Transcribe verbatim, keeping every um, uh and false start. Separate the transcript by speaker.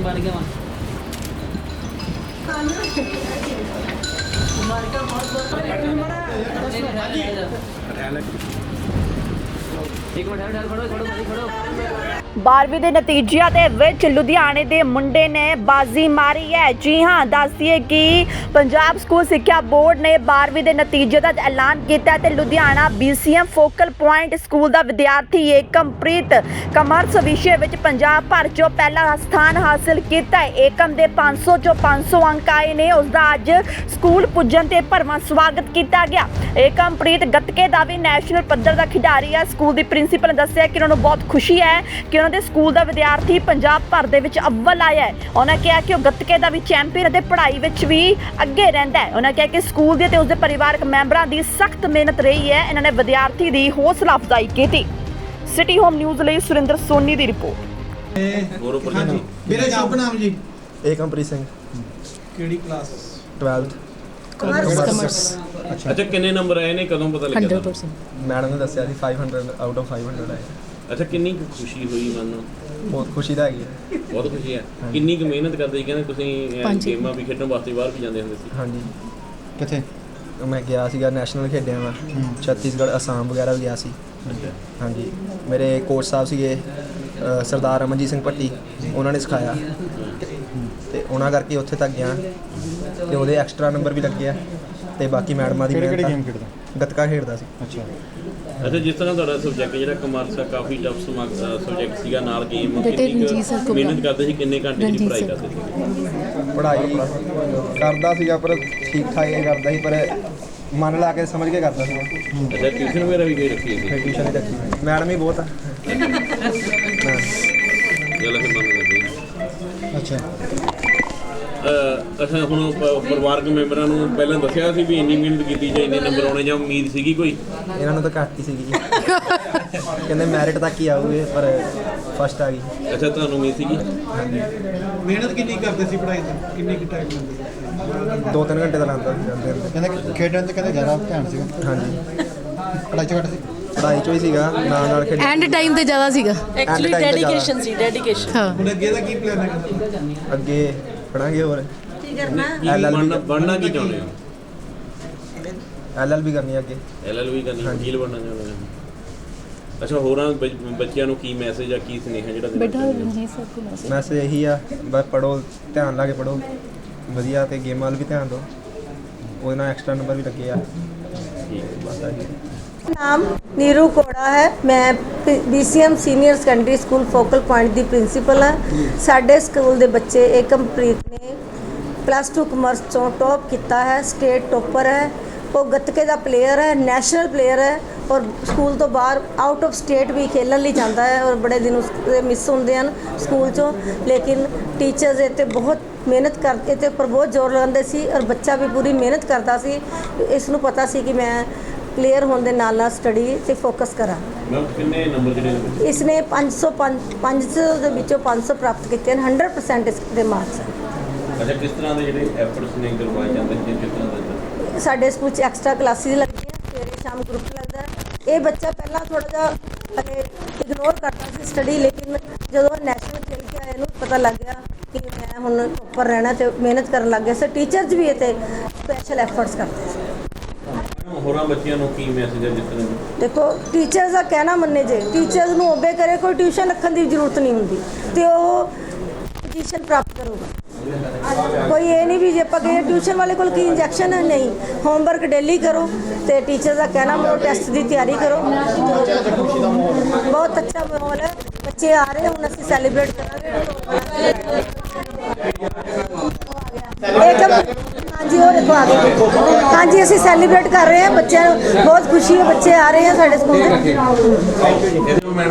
Speaker 1: बारहवीं के नतीजिया दे विच लुधियाने के मुंडे ने बाजी मारी है। जी हाँ, दस दिए कि पंजाब स्कूल सिक्ख्या बोर्ड ने बारहवीं के नतीजे का ऐलान किया है। Ludhiana B C M focal point school का विद्यार्थी एकमप्रीत कमर्स विषय में पंजाब भर चो पहला स्थान हासिल किया है। एकम के पाँच सौ चो पाँच सौ अंक आए ने। उसका अज स्कूल पुजन से भरवां स्वागत किया गया। एकमप्रीत गतके का भी नैशनल पद्धर का खिडारी है। स्कूल की प्रिंसीपल ने दस्सिया कि उन्होंने बहुत खुशी है कि उन्होंने स्कूल का विद्यार्थी पंजाब भर दे विच अव्वल आया है। उन्होंने कहा कि वह गतके का भी चैंपीयन और पढ़ाई विच भी अगे रहिंदा है। उन्होंने कहा कि स्कूल के उसके परिवारक मैंबरां की सख्त मेहनत रही है। इन्होंने विद्यार्थी की हौसला अफजाई की। सिटी होम न्यूज़ लिए सुरिंदर सोनी की रिपोर्ट।
Speaker 2: मेरा शुभ नाम जी
Speaker 3: एकमप्रीत सिंह
Speaker 2: केड़ी क्लास
Speaker 3: ट्वेल्थ
Speaker 4: कॉमर्स।
Speaker 5: अच्छा किन्ने नंबर आए ने कदों पता लगा?
Speaker 4: हंड्रेड परसेंट
Speaker 3: मैडम ने दस्सिया ਸੀ five hundred out of five hundred ਆਏ।
Speaker 5: अच्छा किन्नी कुछ खुशी हुई मन
Speaker 3: ਬਹੁਤ ਖੁਸ਼ੀ ਦਾ ਹੈਗੀ ਹੈ।
Speaker 5: बहुत खुशी है। किन्नी कुछ मेहनत करते ਸੀ ਕਹਿੰਦੇ ਤੁਸੀਂ
Speaker 4: ਪੰਜ।
Speaker 5: ਗੇਮਾਂ ਵੀ ਖੇਡਣ ਵਾਸਤੇ ਬਾਹਰ ਵੀ ਜਾਂਦੇ ਹੁੰਦੇ ਸੀ।
Speaker 3: ਹਾਂਜੀ
Speaker 2: ਕਿੱਥੇ
Speaker 3: ਮੈਂ ਗਿਆ ਸੀਗਾ ਨੈਸ਼ਨਲ ਖੇਡਿਆ ਮੈਂ ਛੱਤੀਸਗੜ੍ਹ ਅਸਾਮ ਵਗੈਰਾ ਵੀ ਗਿਆ ਸੀ।
Speaker 5: ਅੱਛਾ
Speaker 3: ਹਾਂਜੀ ਮੇਰੇ ਕੋਚ ਸਾਹਿਬ ਸੀਗੇ ਅ, ਸਰਦਾਰ ਅਮਨਜੀਤ ਸਿੰਘ ਭੱਟੀ, ਉਹਨਾਂ ਨੇ ਸਿਖਾਇਆ ਤੇ ਉਹਨਾਂ ਕਰਕੇ ਉੱਥੇ ਤੱਕ ਗਿਆ ਤੇ ਉਹਦੇ ਐਕਸਟਰਾ ਨੰਬਰ ਵੀ ਲੱਗੇ ਆ ਤੇ ਬਾਕੀ ਮੈਡਮਾਂ ਦੀ
Speaker 2: ਕਿਹੜੀ ਕਿਹੜੀ
Speaker 3: ਮਿਹਨਤ
Speaker 2: ਗੇਮ ਖੇਡਦਾ?
Speaker 3: ਗੱਤਕਾ ਖੇਡਦਾ ਸੀ।
Speaker 2: ਅੱਛਾ
Speaker 5: ਅੱਛਾ ਜਿਸ ਤਰ੍ਹਾਂ ਤੁਹਾਡਾ ਸਬਜੈਕਟ ਜਿਹੜਾ ਕਮਰਸ ਆ ਕਾਫੀ ਟਫ ਸਬਜੈਕਟ ਸੀਗਾ ਨਾਲ ਗੇਮ
Speaker 4: ਬੇਟੇ
Speaker 5: ਕਿੰਨੀ
Speaker 4: ਰਣਜੀਤ ਸਰ
Speaker 5: ਕੁ
Speaker 4: ਕੋਲ
Speaker 5: ਮਿਹਨਤ ਕਰਦੇ ਸੀ ਕਿੰਨੇ ਘੰਟੇ ਦੀ
Speaker 4: ਰਣਜੀਤ
Speaker 5: ਪੜ੍ਹਾਈ
Speaker 4: ਸਰ।
Speaker 5: ਕਰਦੇ ਸੀ?
Speaker 3: ਪੜ੍ਹਾਈ ਕਰਦਾ ਸੀਗਾ ਪਰ ਠੀਕ ਠਾਕ ਹੀ ਕਰਦਾ ਸੀ ਪਰ ਮਨ ਲਾ ਕੇ ਸਮਝ ਕੇ ਕਰਦਾ ਸੀਗਾ।
Speaker 5: ਅੱਛਾ ਟਿਊਸ਼ਨ ਵਗੈਰਾ ਵੀ ਕੋਈ ਰੱਖੀ ਸੀ?
Speaker 3: ਫਿਰ ਟਿਊਸ਼ਨ ਹੀ ਰੱਖੀ ਮੈਡਮ ਹੀ ਬਹੁਤ ਆ। ਹਾਂ।
Speaker 5: ਗੱਲ ਫਿਰ ਮੰਨ ਲੱਗੀ।
Speaker 2: ਅੱਛਾ
Speaker 5: ਅਹ ਅੱਛਾ ਹੁਣ ਪ- ਪਰਿਵਾਰਕ ਮੈਂਬਰਾਂ ਨੂੰ ਪਹਿਲਾਂ ਦੱਸਿਆ ਸੀ ਵੀ ਇੰਨੀ ਮਿਹਨਤ ਕੀਤੀ ਜਾਂ ਇੰਨੇ ਨੰਬਰ ਆਉਣੇ ਜਾਂ ਉਮੀਦ ਸੀਗੀ ਕੋਈ?
Speaker 3: ਇਹਨਾਂ ਨੂੰ ਤਾਂ ਘੱਟ ਹੀ ਸੀਗੀ ਕਹਿੰਦੇ ਮੈਰਿਟ ਤੱਕ ਹੀ ਆਊਗੇ ਪਰ ਫਸਟ ਆ ਗਈ।
Speaker 5: ਅੱਛਾ ਤੁਹਾਨੂੰ ਉਮੀਦ ਸੀਗੀ?
Speaker 2: ਮਿਹਨਤ ਕਿੰਨੀ ਕਰਦੇ ਸੀ ਪੜ੍ਹਾਈ ਤੇ ਕਿੰਨੀ ਕਿ ਟਾਈਮ ਲੈਂਦੇ?
Speaker 3: ਦੋ ਤਿੰਨ ਘੰਟੇ ਦਾ ਲਾਉਂਦਾ ਸੀ ਜਾਂਦੇ ਹੁੰਦੇ।
Speaker 2: ਕਹਿੰਦੇ ਖੇਡਣ ਤੇ ਕਹਿੰਦੇ ਜ਼ਿਆਦਾ ਧਿਆਨ ਸੀਗਾ,
Speaker 3: ਹਾਂਜੀ
Speaker 2: ਪੜ੍ਹਾਈ ਚ ਘੱਟ ਸੀ।
Speaker 3: ਪੜ੍ਹਾਈ ਚੋਂ ਹੀ ਸੀਗਾ ਨਾਲ ਨਾਲ ਖੇਡ
Speaker 4: ਐਂਡ ਟਾਈਮ ਤੇ ਜ਼ਿਆਦਾ ਸੀਗਾ
Speaker 3: ਐਕਚੁਅਲੀ ਡੈਡੀਕੇਸ਼ਨ
Speaker 1: ਸੀ ਡੈਡੀਕੇਸ਼ਨ।
Speaker 4: ਹਾਂ।
Speaker 2: ਹੁਣ ਅੱਗੇ ਦਾ ਕੀ ਪਲਾਨ ਹੈ?
Speaker 3: ਅੱਗੇ ਪੜਾਂਗੇ ਹੋਰ
Speaker 1: ਕੀ ਕਰਨਾ?
Speaker 5: ਕੀ
Speaker 3: ਐਲ ਐਲ ਬੀ
Speaker 5: ਬਣਨਾ ਬਣਨਾ ਕੀ ਚਾਹੁੰਦੇ ਹੋ?
Speaker 3: ਐਲ ਐਲ ਬੀ ਕਰਨੀ ਅੱਗੇ।
Speaker 5: ਐਲ ਐਲ ਵੀ ਕਰਨੀ,
Speaker 3: ਹਾਂਜੀ।
Speaker 5: ਵਕੀਲ ਬਣਨਾ ਚਾਹੁੰਦੇ ਹੋ? ਅੱਛਾ ਹੋਰਾਂ ਬੱਚ- ਬੱਚਿਆਂ ਨੂੰ ਕੀ ਮੈਸੇਜ ਆ ਕੀ ਸੁਨੇਹਾ ਜਿਹੜਾ ਦੇਣਾ
Speaker 4: ਬੇਟਾ
Speaker 5: ਚਾਹੁੰਦੇ ਹੋ?
Speaker 4: ਰਣਜੀਤ ਸਰ ਕੋਲ ਮੈਸੇਜ
Speaker 3: ਮੈਸੇਜ ਇਹੀ ਆ ਬਸ ਪੜੋ, ਧਿਆਨ ਲਾ ਕੇ ਪੜੋ ਵਧੀਆ ਤੇ ਗੇਮਾਂ ਵੱਲ ਵੀ ਧਿਆਨ ਦਿਓ। ਉਹਦੇ ਨਾਲ ਐਕਸਟਰਾ ਨੰਬਰ ਵੀ ਲੱਗੇ ਆ।
Speaker 5: ਠੀਕ ਹੈ।
Speaker 3: ਬਸ ਆਹੀ।
Speaker 6: नाम नीरू कोड़ा है। मैं B C M senior secondary school focal point की प्रिंसीपल है। साढ़े स्कूल के बच्चे एकमप्रीत ने प्लस टू कमर्स चों टॉप किया है, स्टेट टॉपर है। वो गतके का प्लेयर है, नैशनल प्लेयर है और स्कूल तो बाहर आउट ऑफ स्टेट भी खेलने लिए जाता है और बड़े दिन उसके मिस होंगे हैं स्कूल चों। लेकिन टीचर्स इतने बहुत मेहनत करते थे पर बहुत जोर लगाते सी और बच्चा भी पूरी मेहनत करता सी। इसनूं पता सी कि मैं प्लेयर होने के नाल नाल स्टडी से फोकस करा।
Speaker 5: मैम किन्ने नंबर ਜਿਹੜੇ ਨੇ?
Speaker 6: इसने पाँच सौ पाँच सौ ਦੇ ਵਿੱਚੋਂ ਪੰਜ ਸੌ ਪ੍ਰਾਪਤ ਕੀਤੇ ਹਨ। हंड्रेड परसेंट इसके मार्क्स हैं।
Speaker 5: ਅੱਛਾ ਕਿਸ ਤਰ੍ਹਾਂ ਦੇ ਜਿਹੜੇ ਐਫਰਟਸ ਨੇ ਕਰਵਾਏ ਜਾਂਦੇ ਨੇ ਕਿਸ ਤਰ੍ਹਾਂ ਦਾ?
Speaker 6: ਸਾਡੇ ਸਕੂਲ 'ਚ ਐਕਸਟਰਾ ਕਲਾਸਿਸ ਲੱਗਦੀਆਂ, ਸਵੇਰੇ ਸ਼ਾਮ ਗਰੁੱਪ ਲੱਗਦਾ ਹੈ। ਇਹ ਬੱਚਾ ਪਹਿਲਾਂ ਥੋੜਾ ਜਿਹਾ ਹਲੇ ਇਗਨੋਰ ਕਰਦਾ ਸੀ ਸਟੱਡੀ, ਲੇਕਿਨ ਜਦੋਂ ਨੈਸ਼ਨਲ ਖੇਲ ਕੇ ਆਇਆ ਇਹਨੂੰ ਪਤਾ ਲੱਗ ਗਿਆ ਕਿ ਮੈਂ ਹੁਣ ਉੱਪਰ ਰਹਿਣਾ ਤੇ ਮਿਹਨਤ ਕਰਨ ਲੱਗ ਗਿਆ। ਸੋ ਟੀਚਰਸ ਵੀ ਇਹ ਤੇ ਸਪੈਸ਼ਲ ਐਫਰਟਸ ਕਰਦੇ ਸੀ।
Speaker 5: ਹੋਰਾਂ ਬੱਚਿਆਂ ਨੂੰ ਕੀ ਮੈਸੇਜ ਹੈ ਜਿਸ ਤਰ੍ਹਾਂ
Speaker 6: देखो टीचर्स का कहना मन्ने जे टीचर्स ਨੂੰ ओबे करे, कोई ट्यूशन रखने की जरूरत नहीं होंगी तो वो पोजीशन प्राप्त करूगा। कोई ये नहीं भी जे आप गए ट्यूशन वाले को की इंजैक्शन है, नहीं होमवर्क डेली करो तो टीचर का कहना मनो टैसट की तैयारी करो। बहुत अच्छा माहौल है, बच्चे आ रहे हैं हूँ असं सैलीब्रेट करेंगे। हाँ जी वो देखो आ गए। हाँ जी असं सैलीब्रेट कर रहे हैं, बच्चे बहुत खुशी है, बच्चे आ रहे हैं साढ़े स्कूल।